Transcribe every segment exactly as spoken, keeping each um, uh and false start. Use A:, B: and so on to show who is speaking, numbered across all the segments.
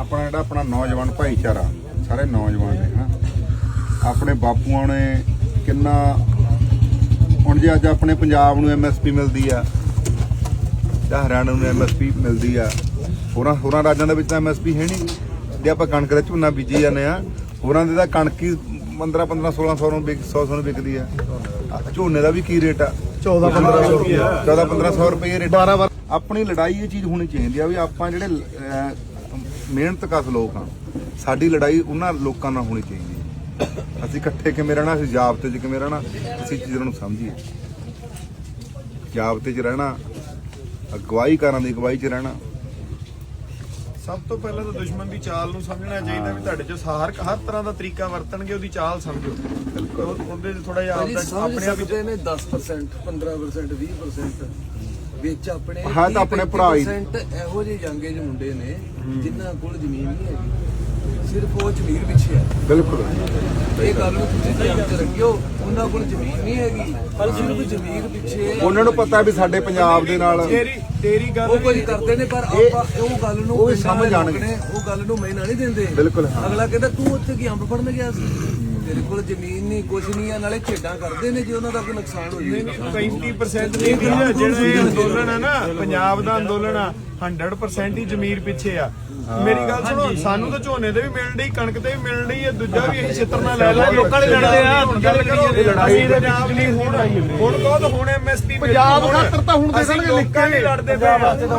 A: ਆਪਣਾ ਜਿਹੜਾ ਆਪਣਾ ਨੌਜਵਾਨ ਭਾਈਚਾਰਾ ਸਾਰੇ ਨੌਜਵਾਨ ਨੇ ਹਾਂ ਆਪਣੇ ਬਾਪੂਆਂ ਨੇ ਕਿੰਨਾ ਹੁਣ ਜੇ ਅੱਜ ਆਪਣੇ ਪੰਜਾਬ ਨੂੰ ਐਮ ਐਸ ਪੀ ਮਿਲਦੀ ਆ ਜਾਂ ਹਰਿਆਣਾ ਨੂੰ ਐਮ ਐਸ ਪੀ ਮਿਲਦੀ ਆ ਹੋਰਾਂ ਹੋਰਾਂ ਰਾਜਾਂ ਦੇ ਵਿੱਚ ਤਾਂ ਐਮ ਐਸ ਪੀ ਹੈ ਨਹੀਂ। ਜੇ ਆਪਾਂ ਕਣਕ ਦਾ ਝੋਨਾ ਬੀਜੀ ਜਾਂਦੇ ਆ ਹੋਰਾਂ ਦੇ ਤਾਂ ਕਣਕ ਹੀ ਪੰਦਰਾਂ ਪੰਦਰਾਂ ਸੋਲਾਂ ਸੌ ਨੂੰ ਵਿਕ ਸੌ ਸੌ ਨੂੰ ਵਿਕਦੀ ਆ। ਝੋਨੇ ਦਾ ਵੀ ਕੀ ਰੇਟ ਆ ਚੌਦਾਂ ਪੰਦਰਾਂ ਸੌ ਰੁਪਏ ਚੌਦਾਂ ਪੰਦਰਾਂ ਸੌ ਰੁਪਏ ਰੇਟ। ਆਪਣੀ ਲੜਾਈ ਇਹ ਚੀਜ਼ ਹੋਣੀ ਚਾਹੀਦੀ ਆ ਵੀ ਆਪਾਂ ਜਿਹੜੇ ਮਿਹਨਤ ਕਸ ਲੋਕ ਆ ਸਾਡੀ ਲੜਾਈ ਉਹਨਾਂ ਲੋਕਾਂ ਨਾਲ ਹੋਣੀ ਚਾਹੀਦੀ ਹੈ। ਅਸੀਂ ਇਕੱਠੇ ਕਿਵੇਂ ਰਹਿਣਾ, ਅਸੀਂ ਜਾਬਤੇ 'ਚ ਕਿਵੇਂ ਰਹਿਣਾ, ਅਸੀਂ ਚੀਜ਼ਾਂ ਨੂੰ ਸਮਝੀਏ। ਜਾਬਤੇ 'ਚ ਰਹਿਣਾ, ਅਗਵਾਈ ਕਰਨ ਦੀ ਅਗਵਾਈ 'ਚ ਰਹਿਣਾ।
B: ਸਭ ਤੋਂ ਪਹਿਲਾਂ ਤਾਂ ਦੁਸ਼ਮਣ ਦੀ ਚਾਲ ਨੂੰ ਸਮਝਣਾ ਚਾਹੀਦਾ ਵੀ ਤੁਹਾਡੇ 'ਚ ਹਰ ਹਰ ਤਰ੍ਹਾਂ ਦਾ ਤਰੀਕਾ ਵਰਤਣਗੇ, ਉਹਦੀ ਚਾਲ ਸਮਝੋ। ਉਹਦੇ 'ਚ ਥੋੜਾ ਜਿਹਾ ਆਪਦਾ ਆਪਣੇ ਆਪ ਹੀ
C: ਨੇ ਦਸ ਪਰਸੈਂਟ ਪੰਦਰਾਂ ਪਰਸੈਂਟ ਵੀਹ ਪਰਸੈਂਟ ਵਿੱਚ ਆਪਣੇ
A: ਹਾਂ ਤਾਂ ਆਪਣੇ ਭਰਾ ਹੀ
C: ਇਹੋ ਜਿਹੇ ਜਾਂਗੇ ਜਿਹੇ ਮੁੰਡੇ ਨੇ ਜਿਨ੍ਹਾਂ ਕੋਲ ਜ਼ਮੀਨ ਨਹੀਂ ਹੈਗੀ, ਸਿਰਫ ਉਹ ਜ਼ਮੀਰ ਪਿੱਛੇ ਹੈ।
A: ਬਿਲਕੁਲ
C: ਇਹ ਗੱਲ ਨੂੰ ਤੁਸੀਂ ਧਿਆਨ 'ਚ ਰੱਖਿਓ, ਉਹਨਾਂ ਕੋਲ ਜ਼ਮੀਨ ਨਹੀਂ ਹੈਗੀ ਪਰ ਸਿਰਫ ਜ਼ਮੀਰ ਪਿੱਛੇ
A: ਉਹਨਾਂ ਨੂੰ ਪਤਾ ਵੀ ਸਾਡੇ ਪੰਜਾਬ ਦੇ ਨਾਲ
B: ਤੇਰੀ ਤੇਰੀ ਗੱਲ
C: ਉਹ ਕੁਝ ਕਰਦੇ ਨੇ ਪਰ ਆਪਾਂ ਉਹ ਗੱਲ ਨੂੰ
A: ਉਹ ਸਮਝ ਜਾਣਗੇ,
C: ਉਹ ਗੱਲ ਨੂੰ ਮੈਨਾਂ ਨਹੀਂ ਦਿੰਦੇ।
A: ਬਿਲਕੁਲ
C: ਅਗਲਾ ਕਹਿੰਦਾ ਤੂੰ ਉੱਥੇ ਕੀ ਅੰਬ ਫੜਨ ਗਿਆ ਸੀ, ਤੇਰੇ ਕੋਲ ਜ਼ਮੀਨ ਨਹੀਂ ਕੁਝ ਨਹੀਂ ਆ, ਨਾਲੇ ਖੇਡਾਂ ਕਰਦੇ ਨੇ ਜੇ ਉਹਨਾਂ ਦਾ ਕੋਈ ਨੁਕਸਾਨ ਹੋ ਜਾਵੇ।
B: ਪੈਂਤੀ ਪਰਸੈਂਟ ਨਹੀਂ ਜਿਹੜਾ ਇਹ ਅੰਦੋਲਨ ਆ ਨਾ ਪੰਜਾਬ ਦਾ ਅੰਦੋਲਨ ਆ ਸੌ ਪਰਸੈਂਟ ਹੀ ਜ਼ਮੀਰ ਪਿੱਛੇ ਆ। ਮੇਰੀ ਗੱਲ ਸੁਣੋ, ਸਾਨੂੰ ਤਾਂ ਝੋਨੇ ਤੇ ਵੀ ਮਿਲਣ ਡਈ, ਕਣਕ ਤੇ ਵੀ ਮਿਲਣ ਡਈ ਹੈ, ਦੂਜਾ ਵੀ ਅਸੀਂ ਛਿੱਤਰ ਨਾਲ ਲੈ ਲਾ। ਲੋਕਾਂ ਨੇ ਲੜਦੇ ਆ, ਹੁਣ ਗੱਲ ਕਰੀਏ ਲੜਾਈ ਦੇ ਨਾਮ ਨਹੀਂ ਹੁਣ ਹੁਣ ਕਹੋ ਤਾਂ ਹੁਣ ਐਮ ਐਸ ਪੀ ਪੰਜਾਬ ਖਾਤਰ ਤਾਂ ਹੁਣ ਦੇ ਦੇਣਗੇ, ਲੋਕਾਂ ਨਹੀਂ ਲੜਦੇ ਪਏ।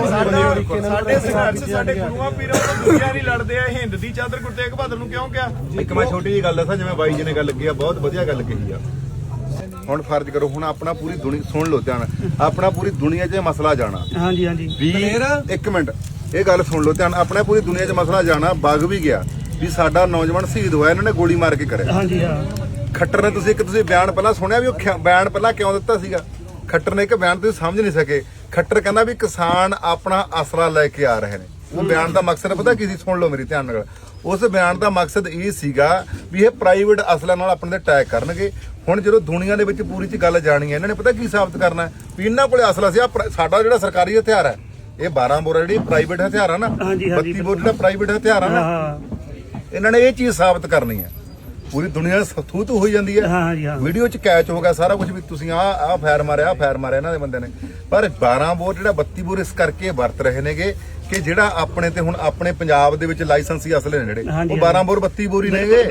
B: ਸਾਡੇ ਸੰਘਰਸ਼ ਸਾਡੇ ਗੁਰੂਆਂ ਪੀਰਾਂ ਤੋਂ ਦੂਜਿਆਂ ਨਹੀਂ ਲੜਦੇ ਆ। ਹਿੰਦ ਦੀ ਚਾਦਰ ਗੁਰੂ ਤੇਗ ਬਹਾਦਰ ਨੂੰ ਕਿਉਂ ਕਿਹਾ?
A: ਇੱਕ ਮੈਂ ਛੋਟੀ ਜਿਹੀ ਗੱਲ ਦੱਸਾਂ, ਜਿਵੇਂ ਬਾਈ ਜੀ ਨੇ ਗੱਲ ਕੀਤੀ ਆ, ਬਹੁਤ ਵਧੀਆ ਗੱਲ ਕਹੀ ਆ। ਹੁਣ ਫਰਜ਼ ਕਰੋ, ਹੁਣ ਆਪਣਾ ਪੂਰੀ ਦੁਨੀਆ ਸੁਣ ਲਓ ਧਿਆਨ, ਆਪਣਾ ਪੂਰੀ ਦੁਨੀਆ 'ਚ ਮਸਲਾ ਜਾਣਾ।
D: ਹਾਂਜੀ ਹਾਂਜੀ
A: ਵੀ ਇੱਕ ਮਿੰਟ ਇਹ ਗੱਲ ਸੁਣ ਲਓ ਧਿਆਨ, ਆਪਣਾ ਪੂਰੀ ਦੁਨੀਆ 'ਚ ਮਸਲਾ ਜਾਣਾ। ਵਗ ਵੀ ਗਿਆ ਵੀ ਸਾਡਾ ਨੌਜਵਾਨ ਸ਼ਹੀਦ ਹੋਇਆ, ਇਹਨਾਂ ਨੇ ਗੋਲੀ ਮਾਰ ਕੇ ਕਰਿਆ।
D: ਹਾਂਜੀ ਹਾਂ
A: ਖੱਟਰ ਨੇ ਤੁਸੀਂ ਇੱਕ ਤੁਸੀਂ ਬਿਆਨ ਪਹਿਲਾਂ ਸੁਣਿਆ ਵੀ ਉਹ ਬਿਆਨ ਪਹਿਲਾਂ ਕਿਉਂ ਦਿੱਤਾ ਸੀਗਾ? ਖੱਟਰ ਨੇ ਇੱਕ ਬਿਆਨ ਤੁਸੀਂ ਸਮਝ ਨਹੀਂ ਸਕੇ। ਖੱਟਰ ਕਹਿੰਦਾ ਵੀ ਕਿਸਾਨ ਆਪਣਾ ਆਸਰਾ ਲੈ ਕੇ ਆ ਰਹੇ ਨੇ। ਉਹ ਬਿਆਨ ਦਾ ਮਕਸਦ ਪਤਾ ਕੀ ਸੀ? ਸੁਣ ਲਓ ਮੇਰੀ ਧਿਆਨ ਨਾਲ। ਉਸ ਬਿਆਨ ਦਾ ਮਕਸਦ ਇਹ ਸੀਗਾ ਵੀ ਇਹ ਪ੍ਰਾਈਵੇਟ ਅਸਲਾਂ ਨਾਲ ਆਪਣੇ ਤੇ ਅਟੈਕ ਕਰਨਗੇ। ਹੁਣ ਜਦੋਂ ਦੁਨੀਆ ਦੇ ਵਿੱਚ ਪੂਰੀ ਚ ਗੱਲ ਜਾਣੀ ਹੈ, ਇਹਨਾਂ ਨੇ ਪਤਾ ਕੀ ਸਾਬਤ ਕਰਨਾ ਵੀ ਇਹਨਾਂ ਕੋਲੇ ਅਸਲਾ ਸੀ। ਸਾਡਾ ਜਿਹੜਾ ਸਰਕਾਰੀ ਹਥਿਆਰ ਹੈ, ਇਹ ਬਾਰਾਂ ਬੋਰ ਜਿਹੜੀ ਪ੍ਰਾਈਵੇਟ ਹਥਿਆਰ ਆ ਨਾ, ਬੱਤੀ ਬੋਰ ਜਿਹੜਾ ਪ੍ਰਾਈਵੇਟ ਹਥਿਆਰ ਆ ਨਾ, ਇਹਨਾਂ ਨੇ ਇਹ ਚੀਜ਼ ਸਾਬਤ ਕਰਨੀ ਹੈ। ਪੂਰੀ ਦੁਨੀਆ ਥੂ ਥੂ ਹੋਈ ਜਾਂਦੀ ਹੈ, ਵੀਡੀਓ ਚ ਕੈਚ ਹੋ ਗਿਆ ਸਾਰਾ ਕੁਝ ਵੀ ਤੁਸੀਂ ਆ ਆ ਫਾਇਰ ਮਾਰਿਆ, ਆ ਫਾਇਰ ਮਾਰਿਆ ਇਹਨਾਂ ਦੇ ਬੰਦੇ ਨੇ। ਪਰ ਬਾਰਾਂ ਬੋਰ ਜਿਹੜਾ ਬੱਤੀ ਬੋਰ ਇਸ ਕਰਕੇ ਵਰਤ ਰਹੇ ਨੇਗੇ ਕਿ ਜਿਹੜਾ ਆਪਣੇ ਤੇ ਹੁਣ ਆਪਣੇ ਪੰਜਾਬ ਦੇ ਵਿੱਚ ਲਾਇਸੈਂਸੀ ਅਸਲੇ ਨੇ ਜਿਹੜੇ, ਉਹ ਬਾਰਾਂ ਬੋਰ ਬੱਤੀ ਬੋਰ ਹੀ ਨੇਗੇ।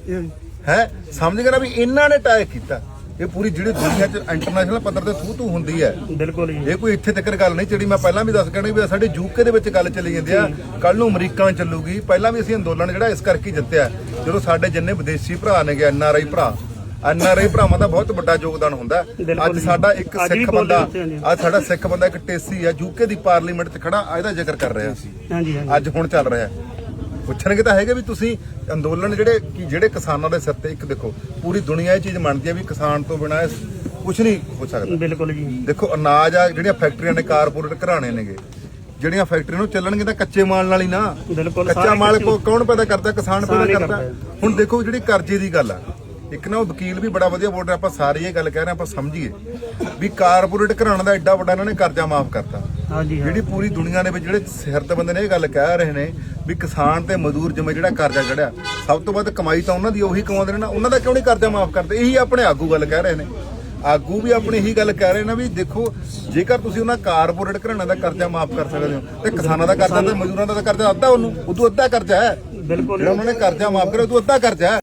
A: ਹੈ ਸਮਝ ਗਏ ਨਾ ਵੀ ਇਹਨਾਂ ਨੇ ਅਟੈਕ ਕੀਤਾ। ਇਹ ਪੂਰੀ ਜਿਹੜੀ ਦੁਨੀਆ 'ਚ ਇੰਟਰਨੈਸ਼ਨਲ ਪੱਧਰ ਤੇ ਥੂ ਥੂ ਹੁੰਦੀ ਹੈ।
D: ਬਿਲਕੁਲ
A: ਇਹ ਕੋਈ ਇੱਥੇ ਤੱਕ ਗੱਲ ਨਹੀਂ ਜਿਹੜੀ ਮੈਂ ਪਹਿਲਾਂ ਵੀ ਦੱਸ ਕਹਿਣੀ ਵੀ ਸਾਡੇ ਯੂਕੇ ਦੇ ਵਿੱਚ ਗੱਲ ਚੱਲੀ ਜਾਂਦੀ ਆ, ਕੱਲ ਨੂੰ ਅਮਰੀਕਾ ਚੱਲੂਗੀ। ਪਹਿਲਾਂ ਵੀ ਅਸੀਂ ਅੰਦੋਲਨ ਜਿਹੜਾ ਇਸ ਕਰਕੇ ਜਿੱਤਿਆ ਜਦੋਂ ਸਾਡੇ ਜਿੰਨੇ ਵਿਦੇਸ਼ੀ ਭਰਾ ਨੇਗੇ, ਐਨ ਆਰ ਆਈ ਭਰਾ, ਐਨ ਆਰ ਆਈ ਭਰਾਵਾਂ ਦਾ ਬਹੁਤ ਵੱਡਾ ਯੋਗਦਾਨ ਹੁੰਦਾ। ਅੱਜ ਸਾਡਾ ਇੱਕ ਸਿੱਖ ਬੰਦਾ, ਅੱਜ ਸਾਡਾ ਸਿੱਖ ਬੰਦਾ ਇੱਕ ਟੇਸੀ ਆ ਯੂਕੇ ਦੀ ਪਾਰਲੀਮੈਂਟ 'ਚ ਖੜਾ, ਇਹਦਾ ਜ਼ਿਕਰ ਕਰ ਰਿਹਾ ਸੀ। ਅੱਜ ਹੁਣ ਚੱਲ ਰਿਹਾ ਪੁੱਛਣਗੇ ਤਾਂ ਹੈਗੇ ਵੀ ਤੁਸੀਂ ਅੰਦੋਲਨ ਜਿਹੜੇ ਕਿ ਜਿਹੜੇ ਕਿਸਾਨਾਂ ਦੇ ਸਿਰ ਤੇ, ਇੱਕ ਦੇਖੋ ਪੂਰੀ ਦੁਨੀਆ ਇਹ ਚੀਜ਼ ਮੰਨਦੀ ਹੈ ਵੀ ਕਿਸਾਨ ਤੋਂ ਬਿਨਾਂ ਕੁਝ ਨਹੀਂ ਹੋ ਸਕਦਾ।
D: ਬਿਲਕੁਲ ਜੀ।
A: ਦੇਖੋ ਅਨਾਜ ਆ, ਜਿਹੜੀਆਂ ਫੈਕਟਰੀਆਂ ਨੇ ਕਾਰਪੋਰੇਟ ਘਰਾਣੇ ਨੇਗੇ, ਜਿਹੜੀਆਂ ਫੈਕਟਰੀਆਂ ਨੂੰ ਚੱਲਣਗੇ ਤਾਂ ਕੱਚੇ ਮਾਲ ਨਾਲ ਹੀ ਨਾ। ਕੱਚਾ ਮਾਲ ਕੌਣ ਪੈਦਾ ਕਰਦਾ? ਕਿਸਾਨ ਪੈਦਾ ਕਰਦਾ। ਹੁਣ ਦੇਖੋ ਜਿਹੜੀ ਕਰਜ਼ੇ ਦੀ ਗੱਲ ਆ, ਇੱਕ ਨਾ ਉਹ ਵਕੀਲ ਵੀ ਬੜਾ ਵਧੀਆ ਬੋਲ ਰਿਹਾ, ਆਪਾਂ ਸਾਰੀ ਇਹ ਗੱਲ ਕਹਿ ਰਹੇ ਆਪਾਂ ਸਮਝੀਏ ਵੀ ਕਾਰਪੋਰੇਟ ਘਰਾਣਾ ਦਾ ਐਡਾ ਵੱਡਾ ਇਹਨਾਂ ਨੇ ਕਰਜ਼ਾ ਮਾਫ ਕਰਤਾ। ਜਿਹੜੀ ਪੂਰੀ ਦੁਨੀਆ ਦੇ ਵਿੱਚ ਜਿਹੜੇ ਸਿਰਤ ਬੰਦੇ ਨੇ ਇਹ ਗੱਲ ਕਹਿ ਰਹੇ ਨੇ ਵੀ ਕਿਸਾਨ ਤੇ ਮਜ਼ਦੂਰ ਜਿਵੇਂ ਜਿਹੜਾ ਕਰਜ਼ਾ ਚੜਿਆ, ਸਭ ਤੋਂ ਵੱਧ ਕਮਾਈ ਤਾਂ ਉਹਨਾਂ ਦੀ ਉਹੀ ਕਮਾਉਂਦੇ ਨੇ ਨਾ, ਉਹਨਾਂ ਦਾ ਕਿਉਂ ਨਹੀਂ ਕਰਜ਼ਾ ਮਾਫ ਕਰਦੇ? ਇਹੀ ਆਪਣੇ ਆਗੂ ਗੱਲ ਕਹਿ ਰਹੇ ਨੇ। ਆਗੂ ਵੀ ਆਪਣੀ ਇਹੀ ਗੱਲ ਕਹਿ ਰਹੇ ਨੇ ਵੀ ਦੇਖੋ ਜੇਕਰ ਤੁਸੀਂ ਉਹਨਾਂ ਕਾਰਪੋਰੇਟ ਘਰਾਣਿਆਂ ਦਾ ਕਰਜ਼ਾ ਮਾਫ ਕਰ ਸਕਦੇ ਹੋ ਤੇ ਕਿਸਾਨਾਂ ਦਾ ਕਰਜ਼ਾ ਤੇ ਮਜ਼ਦੂਰਾਂ ਦਾ ਕਰਜ਼ਾ ਅੱਧਾ, ਉਹਨੂੰ ਉਦੋਂ ਅੱਧਾ ਕਰਜ਼ਾ ਹੈ। ਬਿਲਕੁਲ ਜਿਹੜਾ ਉਹਨਾਂ ਨੇ ਕਰਜ਼ਾ ਮਾਫ ਕਰਿਆ ਉਦੋਂ ਅੱਧਾ ਕਰਜ਼ਾ ਹੈ।